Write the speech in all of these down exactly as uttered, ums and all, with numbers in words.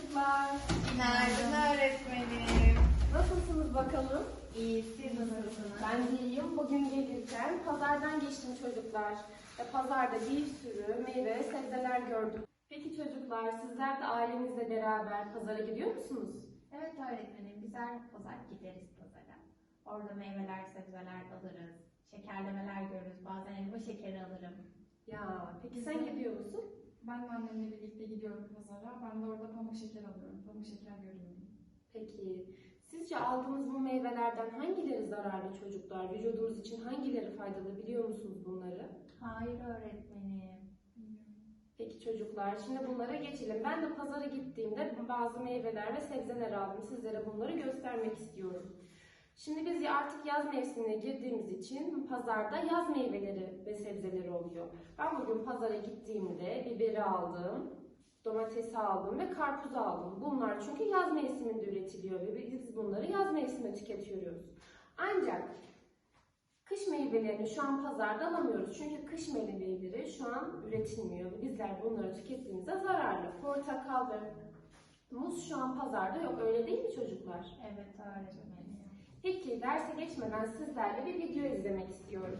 çocuklar. Günaydın öğretmenim. Nasılsınız bakalım? İyi, siz nasılsınız? Ben de iyiyim. Bugün gelirken pazardan geçtim çocuklar. Ve pazarda bir sürü meyve ve sebzeler gördüm. Peki çocuklar, sizler de ailenizle beraber pazara gidiyor musunuz? Evet öğretmenim, biz her pazar gideriz pazara. Orada meyveler, sebzeler alırız. Şekerlemeler görürüz. Bazen elma şekeri alırım. Ya, peki sen gidiyor musun? Ben de annemle birlikte gidiyorum pazara. Ben de orada pamuk şeker alıyorum. Pamuk şeker görüyorum. Peki, sizce aldığınız bu meyvelerden hangileri zararlı çocuklar? Vücudumuz için hangileri faydalı biliyor musunuz bunları? Hayır öğretmenim. Peki çocuklar, şimdi bunlara geçelim. Ben de pazara gittiğimde bazı meyveler ve sebzeler aldım. Sizlere bunları göstermek istiyorum. Şimdi biz artık yaz mevsimine girdiğimiz için pazarda yaz meyveleri ve sebzeleri oluyor. Ben bugün pazara gittiğimde biberi aldım, domatesi aldım ve karpuz aldım. Bunlar çünkü yaz mevsiminde üretiliyor ve biz bunları yaz mevsiminde tüketiyoruz. Ancak kış meyvelerini şu an pazarda alamıyoruz. Çünkü kış meyveleri şu an üretilmiyor. Bizler bunları tükettiğimizde zararlı. Portakal ve muz şu an pazarda yok. Öyle değil mi çocuklar? Evet öğretmenim. Peki derse geçmeden sizlerle bir video izlemek istiyorum.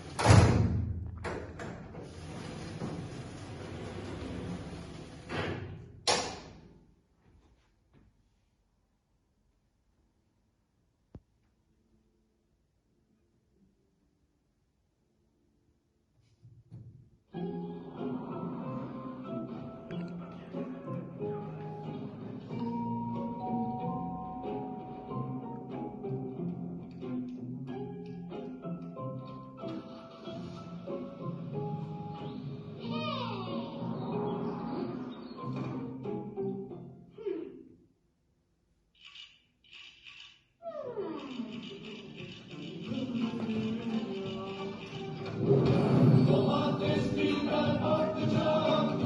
Domates, biber, patlıcan.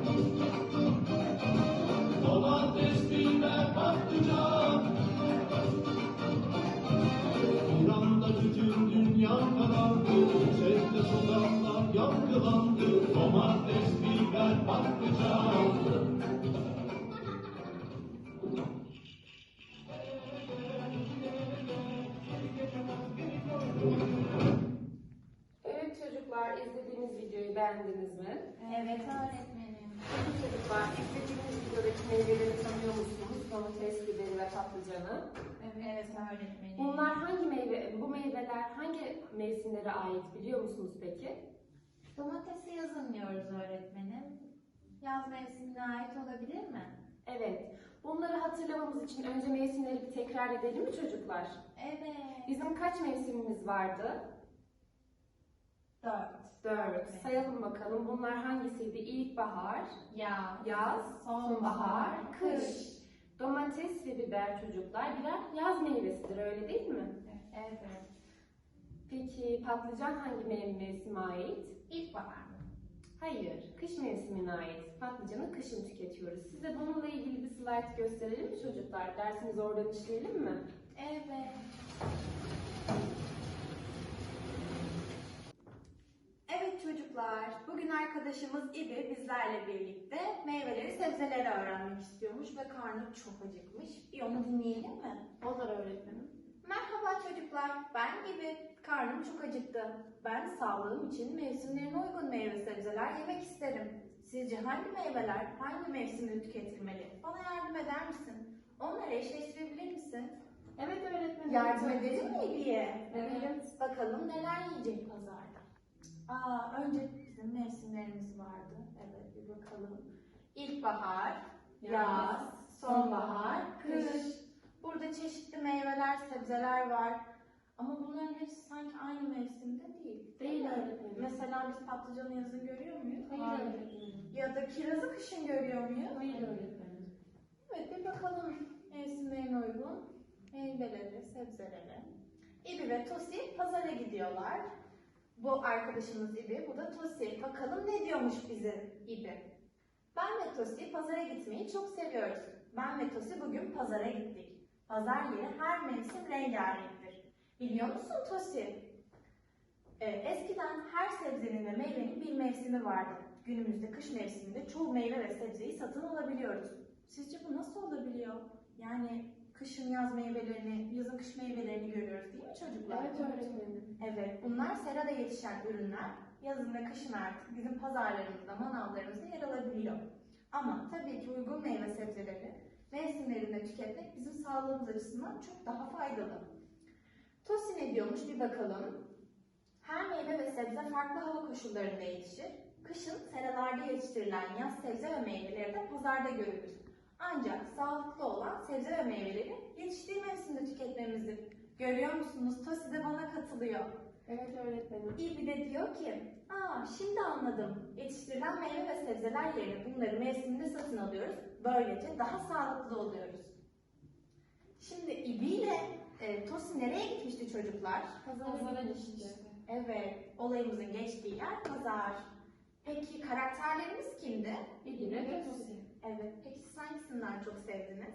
Domates, biber, patlıcan. Bir anda bütün dünya karardı. Sesle sokaklar yankılandı. Domates, biber, patlıcan. Evet çocuklar, izlediğiniz videoyu beğendiniz mi? Evet öğretmenim. Peki çocuklar, izlediğiniz videodaki meyveleri tanıyor musunuz? Domates, biberi ve patlıcanı. Evet öğretmenim. Bunlar hangi meyve, bu meyveler hangi mevsimlere ait biliyor musunuz peki? Domatesi yazın diyoruz öğretmenim. Yaz mevsimine ait olabilir mi? Evet. Bunları hatırlamamız için önce mevsimleri bir tekrar edelim mi çocuklar? Evet. Bizim kaç mevsimimiz vardı? Dört. Dört. Evet. Sayalım bakalım. Bunlar hangisiydi? İlkbahar, Yaz, yaz, sonbahar, kış. Domates ve biber çocuklar birer yaz meyvesidir, öyle değil mi? Evet. Peki patlıcan hangi mev- mevsime ait? İlkbahar mı? Hayır, kış mevsimine ait. Patlıcanı kışın tüketiyoruz. Size bununla ilgili bir slide gösterelim mi çocuklar? Dersimizi oradan işleyelim mi? Evet. Evet çocuklar, bugün arkadaşımız İbi bizlerle birlikte meyveleri, sebzeleri öğrenmek istiyormuş ve karnı çok acıkmış. Bir onu dinleyelim mi? Olur öğretmenim. Merhaba çocuklar, ben İbi. Karnım çok acıktı. Ben sağlığım için mevsimlerine uygun meyve sebzeler yemek isterim. Sizce hangi meyveler hangi mevsimde tüketilmeli? Bana yardım eder misin? Onları eşleştirebilir misin? Evet öğretmenim. Yardım edelim mi İbi'ye? Evet. Bakalım neler yiyecek pazarda. Aa, önce bizim mevsimlerimiz vardı. Evet, bir bakalım. İlkbahar, yaz, sonbahar, kış. Burada çeşitli meyveler, sebzeler var. Ama bunların hepsi sanki aynı mevsimde değil. Değil mi? öğretmenim. Mesela biz patlıcanı yazın görüyor muyuz? Hayır öğretmenim. Ya da kirazı kışın görüyor muyuz? Hayır öğretmenim. Evet, bir bakalım mevsimlerine uygun meyveleri, sebzeleri. İbi ve Tosi pazara gidiyorlar. Bu arkadaşımız İbi, bu da Tosi. Bakalım ne diyormuş bize İbi. Ben ve Tosi pazara gitmeyi çok seviyoruz. Ben ve Tosi bugün pazara gittik. Pazar yeri her mevsim rengarenktir. Biliyor musun Tosi? Ee, eskiden her sebzenin ve meyvenin bir mevsimi vardı. Günümüzde kış mevsiminde çoğu meyve ve sebzeyi satın alabiliyoruz. Sizce bu nasıl olabiliyor? Yani kışın yaz meyvelerini, yazın kış meyvelerini görüyoruz değil mi çocuklar? Evet öğretmenim. Evet, bunlar serada yetişen ürünler. Yazın ve kışın artık bizim pazarlarımızda, manavlarımızda yer alabiliyor. Ama tabii ki uygun meyve sebzeleri mevsimlerinde tüketmek bizim sağlığımız açısından çok daha faydalı. Tosi ne diyormuş bir bakalım. Her meyve ve sebze farklı hava koşullarında yetişir. Kışın seralarda yetiştirilen yaz sebze ve meyveleri de pazarda görülür. Ancak sağlıklı olan sebze ve meyveleri yetiştiği mevsimde tüketmemizi görüyor musunuz? Tosi de bana katılıyor. Evet öğretmenim. İbi de diyor ki, aa şimdi anladım. Yetiştirilen meyve ve sebzeler yerine bunları mevsiminde satın alıyoruz. Böylece daha sağlıklı oluyoruz. Şimdi İbi ile e, Tosi nereye gitmişti çocuklar? Pazara gitmişti. Evet, olayımızın geçtiği yer pazar. Peki karakterlerimiz kimdi? İbi ve Tosi. Evet, peki siz hangisinden çok sevdiniz?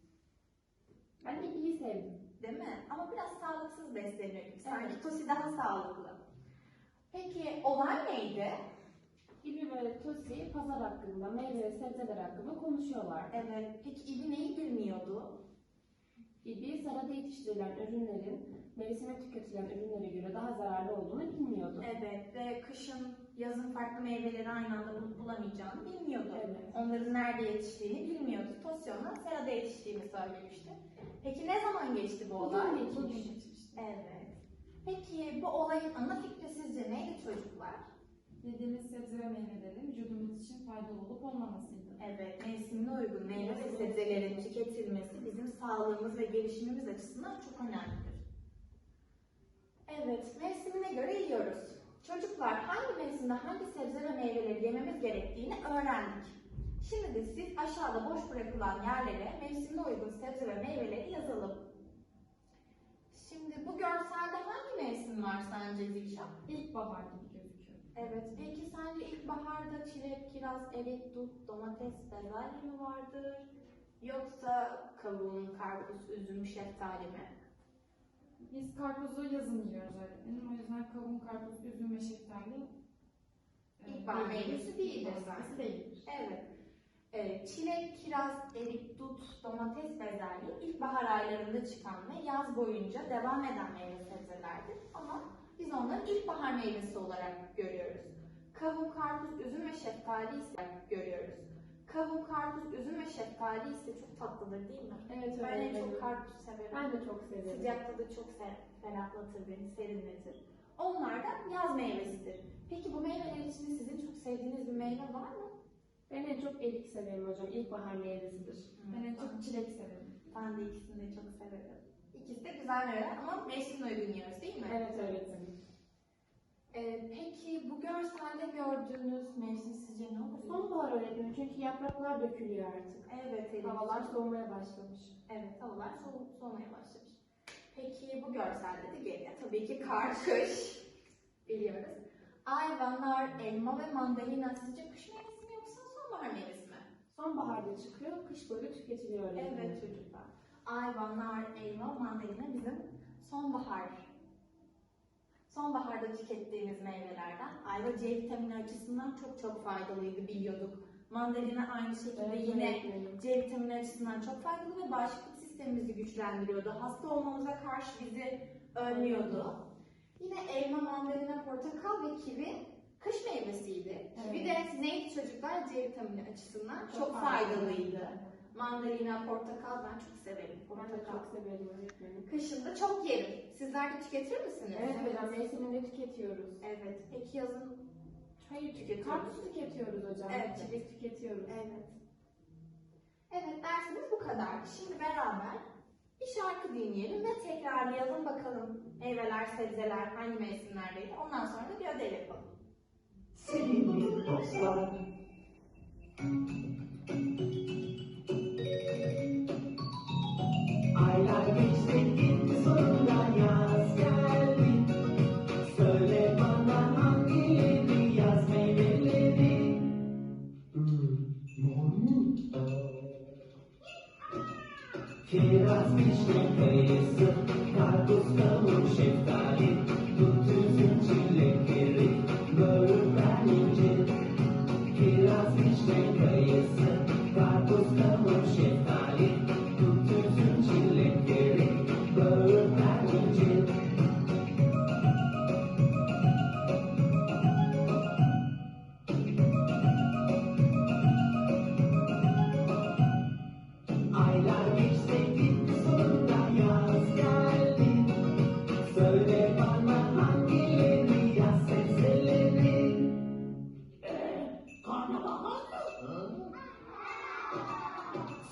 Ben İbi'yi sevdim. Değil mi? Ama biraz sağlıksız besleniyor gibi. Sanki Evet. Tosi daha sağlıklı. Peki olay neydi? İbi ve Tosi pazar hakkında, meyve ve sebzeler hakkında konuşuyorlar. Evet, peki İbi neyi bilmiyordu? İbi serada yetiştirilen ürünlerin mevsime tüketilen ürünlere göre daha zararlı olduğunu bilmiyordu. Evet ve kışın, yazın farklı meyveleri aynı anda bul- bulamayacağını bilmiyordu. Evet. Onların nerede yetiştiğini bilmiyordu. Tosi ona serada yetiştiğini söylemişti. Peki ne zaman geçti bu olay? Bugün geçmiş. Bugün geçmişti. Evet. Peki bu olayın ana fikri sizce neydi çocuklar? Yediğimiz sebze ve meyvelerin vücudumuz için faydalı olup olmamasıydı. Evet, mevsimine uygun meyve ve sebzelerin tüketilmesi bizim sağlığımız ve gelişimimiz açısından çok önemlidir. Evet, mevsimine göre yiyoruz. Çocuklar hangi mevsimde hangi sebze ve meyveleri yememiz gerektiğini öğrendik. Şimdi de siz aşağıda boş bırakılan yerlere mevsimine uygun sebze ve meyveleri yazalım. Şimdi bu görselde hangi mevsim var sence Zişan? İlkbahar gibi gözüküyor. Evet, peki sence ilkbaharda çilek, kiraz, erik, dut, domates, bezelye mi vardır? Yoksa kavun, karpuz, üzüm, şeftali mi? Biz karpuzu yazın yiyoruz öğretmenim. O yüzden kavun, karpuz, üzüm ve şeftali e, İlkbahar meyvesi değildir meyvesi zaten. değildir. Evet. Ee, çilek, kiraz, erik, dut, domates, bezelye ilkbahar aylarında çıkan ve yaz boyunca devam eden meyve sebzelerdir. Ama biz onları ilkbahar meyvesi olarak görüyoruz. Kavun, karpuz, üzüm ve şeftali ise görüyoruz. Kavun, karpuz, üzüm ve şeftali ise çok tatlıdır değil mi? Evet Ben en öğretmenim. çok karpuz severim. Ben de çok severim. Sıcakta da çok se- ferahlatır beni, serinletir. Onlar da yaz meyvesidir. Peki bu meyveler içinde sizin çok sevdiğiniz bir meyve var mı? Ben en çok erik severim hocam. İlkbahar meyvesidir. Ben en çok çilek severim. Ben de ikisini de çok severim. İkisi de güzel meyveler ama mevsimine uygun yiyoruz değil mi? Evet öğretmenim. Ee, peki bu görselde gördüğünüz mevsim sizce ne olur? Sonbahar öğretmenim çünkü yapraklar dökülüyor artık. Evet, Elif. Havalar soğumaya başlamış. Evet, havalar soğu soğumaya başlamış. Peki bu görselde de geriye tabii ki kar, kış biliyoruz. Ayva, nar, elma ve mandalina sizce kış meyvesi mi yoksa sonbahar meyvesi mi? Sonbaharda çıkıyor, kış boyu tüketiliyor öğretmenim. Evet çocuklar. Ayva, nar, elma, mandalina bizim sonbahar. Sonbaharda tükettiğimiz meyvelerden. Ayva C vitamini açısından çok çok faydalıydı biliyorduk. Mandalina aynı şekilde Evet, yine öğretmenim. C vitamini açısından çok faydalı ve bağışıklık sistemimizi güçlendiriyordu. Hasta olmamıza karşı bizi önlüyordu. Yine elma, mandalina, portakal ve kivi kış meyvesiydi. Kivi de neydi çocuklar? C vitamini açısından çok, Çok faydalıydı. Mandalina, portakal ben çok severim. Ben de Portakal. çok severim öğretmenim. Kışında çok yerim. Sizler de tüketir misiniz? Evet hocam mevsiminde tüketiyoruz. Evet. Peki yazın hayır tüketiyoruz. Karpuz tüketiyoruz hocam. Evet. Çilek tüketiyoruz. Evet. Evet dersimiz bu kadar. Şimdi beraber bir şarkı dinleyelim ve tekrarlayalım bakalım meyveler, sebzeler hangi mevsimlerdeydi. Ondan sonra da bir ödev yapalım. Sevgili dostlar, aylar geçti gitti sonunda yaz geldi. Söyle bana hangileri yaz meyveleri? Kiraz, vişne, kayısı, karpuz, kavun, şeftali, dut, üzüm, çilek, erik, böğürtlen, incir. Kiraz, vişne, kayısı, karpuz, kavun,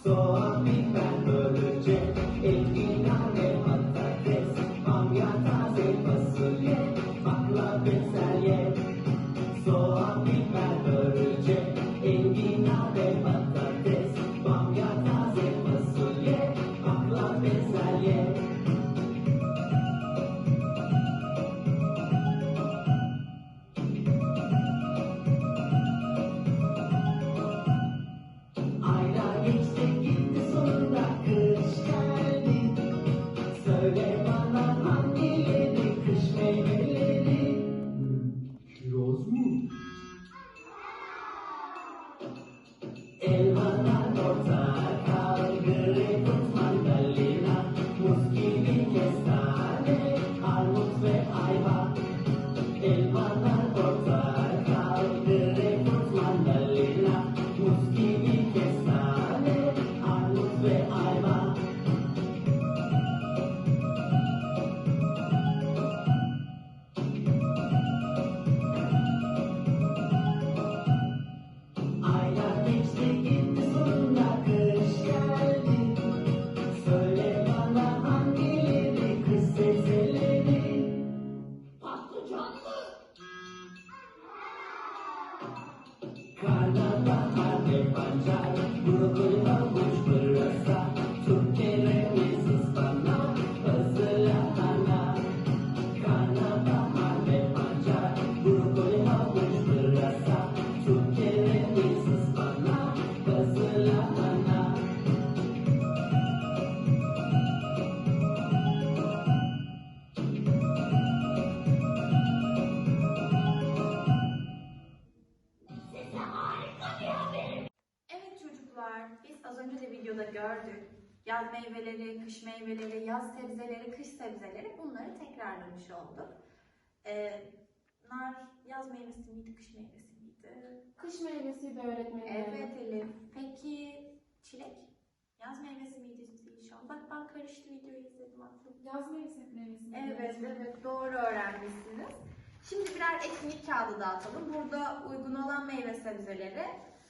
Soğan, biber, börülce, enginar ve patates, bamya, taze fasulye, bakla, bezelye. Soğan, biber, börülce, enginar ve patates, bamya, taze fasulye, bakla, bezelye. Aylar geçti gitti sonunda kış geldi. Söyle bana hangileri kış meyveleri? Kiraz mı? Elmadan portakal, greyfurt, mandalina, muz gibi kestane, armut ve ayva. Elmadan portakal, greyfurt, mandalina, muz gibi kestane, armut ve ayva. Aylar geçti gitti sonunda kış geldi. Söyle bana hangileri kış sebzeleri? Patlıcan mı? Karnabahar ve pancar, brokoli, havuç, pırasa, turp, kereviz, ıspanak, pazı, lahana. Karnabahar ve pancar, brokoli, havuç, pırasa, turp, kereviz, ıspanak, pazı, lahana. Evet çocuklar, biz az önce de videoda gördük. Yaz meyveleri, kış meyveleri, yaz sebzeleri, kış sebzeleri bunları tekrarlamış olduk. Ee, nar yaz meyvesi miydi, kış meyvesi miydi? Kış meyvesiydi öğretmenim. Evet Elif. Peki çilek? Yaz meyvesi miydi Zişan? Bak ben karıştı videoyu izledim aklım. Yaz meyvesi meyvesi. Evet evet doğru öğrenmişsiniz. Şimdi birer etkinlik kağıdı dağıtalım. Burada uygun olan meyve sebzeleri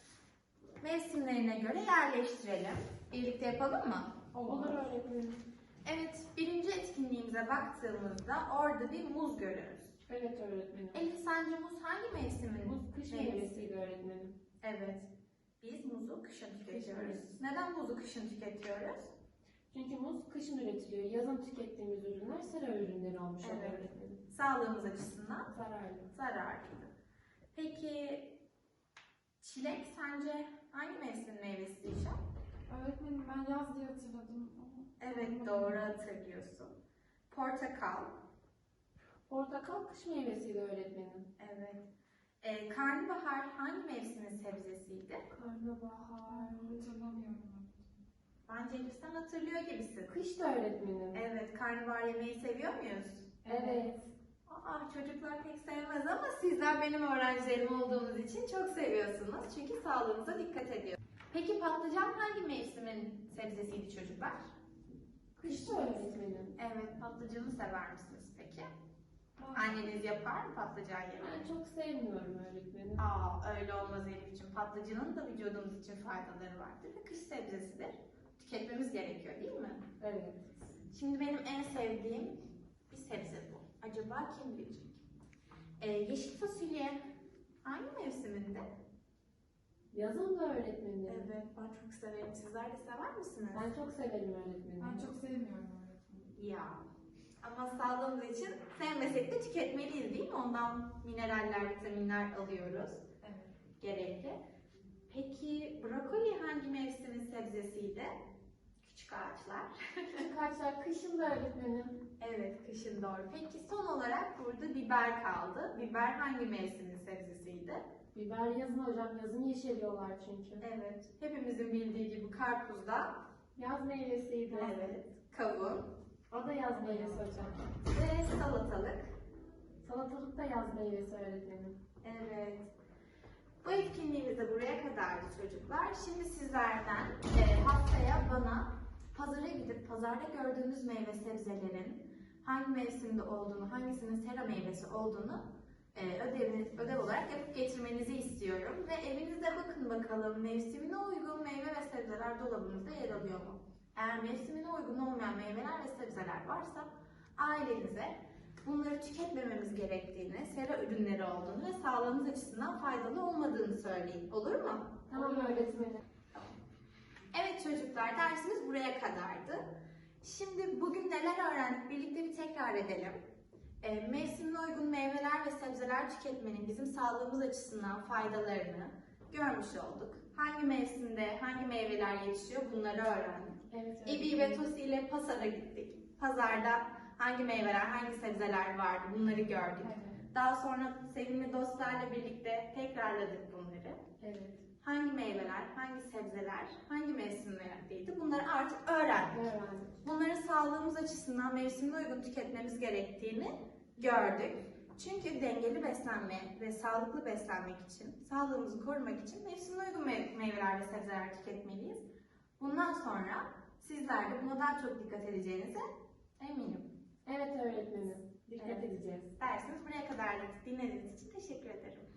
mevsimlerine göre yerleştirelim. Birlikte yapalım mı? Olur öğretmenim. Evet, birinci etkinliğimize baktığımızda orada bir muz görüyoruz. Evet öğretmenim. Elif sence muz hangi mevsimin? Muz kış meyvesi? meyvesiydi öğretmenim. Evet. Biz muzu kışın tüketiyoruz. meyvesi. Neden muzu kışın tüketiyoruz? Çünkü muz kışın üretiliyor. Yazın tükettiğimiz ürünler sera ürünleri olmuş oluyor Evet. öğretmenim. Sağlığımız açısından Zararlı. zararlı. Peki çilek sence hangi mevsimin meyvesi Dişan? Öğretmenim ben yaz diye hatırladım ama. Evet doğru hatırlıyorsun. Portakal. Portakal kış meyvesiydi öğretmenim. Evet. Ee, karnabahar hangi mevsimin sebzesiydi? Karnabahar. Hatırlamıyorum. Bence Elif sen hatırlıyor gibisin. Kış da öğretmenim. Evet, karnabahar yemeği seviyor muyuz? Evet. Aa, çocuklar pek sevmez ama sizler benim öğrencilerim olduğunuz için çok seviyorsunuz. Çünkü sağlığınıza dikkat ediyor. Peki patlıcan hangi mevsimin sebzesiydi çocuklar? Kış da öğretmenim. Evet, patlıcanı sever misiniz peki? Anneniz yapar mı patlıcan Ben yemeği? çok sevmiyorum öğretmenim. Aa, öyle olmaz Elif'ciğim. Patlıcanın da vücudumuz için faydaları vardır ve kış sebzesidir. Tüketmemiz gerekiyor değil mi? Evet. Şimdi benim en sevdiğim bir sebze bu. Acaba kim bilecek? Ee, yeşil fasulye hangi mevsiminde? Yazın da öğretmenim. Evet, ben çok severim. Sizler de sever misiniz? Ben çok severim öğretmenim. Ben çok sevmiyorum öğretmenim. Ya. Ama sağlığımız için sevmesek de tüketmeliyiz değil mi? Ondan mineraller, vitaminler alıyoruz. Evet. Gerekli. Peki brokoli hangi mevsimin sebzesiydi? Küçük ağaçlar. Küçük ağaçlar kışın da öğretmenim. Evet, kışın doğru. Peki son olarak burada biber kaldı. Biber hangi mevsimin sebzesiydi? Biber yazın hocam. Yazın yeşeriyorlar çünkü. Evet, hepimizin bildiği gibi karpuz da. Yaz meyvesiydi. Evet, kavun O da yaz meyvesi hocam. ve salatalık. Salatalık da yaz meyvesi öğretmenim. Evet. Bu etkinliğimiz de buraya kadardı çocuklar. Şimdi sizlerden e, haftaya bana pazara gidip pazarda gördüğünüz meyve sebzelerin hangi mevsimde olduğunu, hangisinin sera meyvesi olduğunu e, ödeviniz, ödev olarak yapıp getirmenizi istiyorum. Ve evinizde bakın bakalım mevsimine uygun meyve ve sebzeler dolabınızda yer alıyor mu? Eğer mevsimine uygun olmayan meyveler ve sebzeler varsa ailenize bunları tüketmememiz gerektiğini, sera ürünleri olduğunu ve sağlığımız açısından faydalı olmadığını söyleyin. Olur mu? Tamam öğretmenim. Evet çocuklar, dersimiz buraya kadardı. Şimdi bugün neler öğrendik birlikte bir tekrar edelim. E, mevsimine uygun meyveler ve sebzeler tüketmenin bizim sağlığımız açısından faydalarını görmüş olduk. Hangi mevsimde hangi meyveler yetişiyor bunları öğrendik. Evet, İbi ve Tosi ile pazara gittik. Pazarda hangi meyveler, hangi sebzeler vardı bunları gördük. Evet. Daha sonra sevimli dostlarla birlikte tekrarladık bunları. Evet. Hangi meyveler, hangi sebzeler, hangi mevsimlerdeydi bunları artık öğrendik. Öğrendik. Bunları sağlığımız açısından mevsimine uygun tüketmemiz gerektiğini gördük. Çünkü dengeli beslenme ve sağlıklı beslenmek için, sağlığımızı korumak için mevsimine uygun me- meyveler ve sebzeler tüketmeliyiz. Bundan sonra sizler de buna daha çok dikkat edeceğinize eminim. Evet öğretmenim. Dikkat Evet. edeceğiz. Dersimiz buraya kadar dinlediğiniz için teşekkür ederim.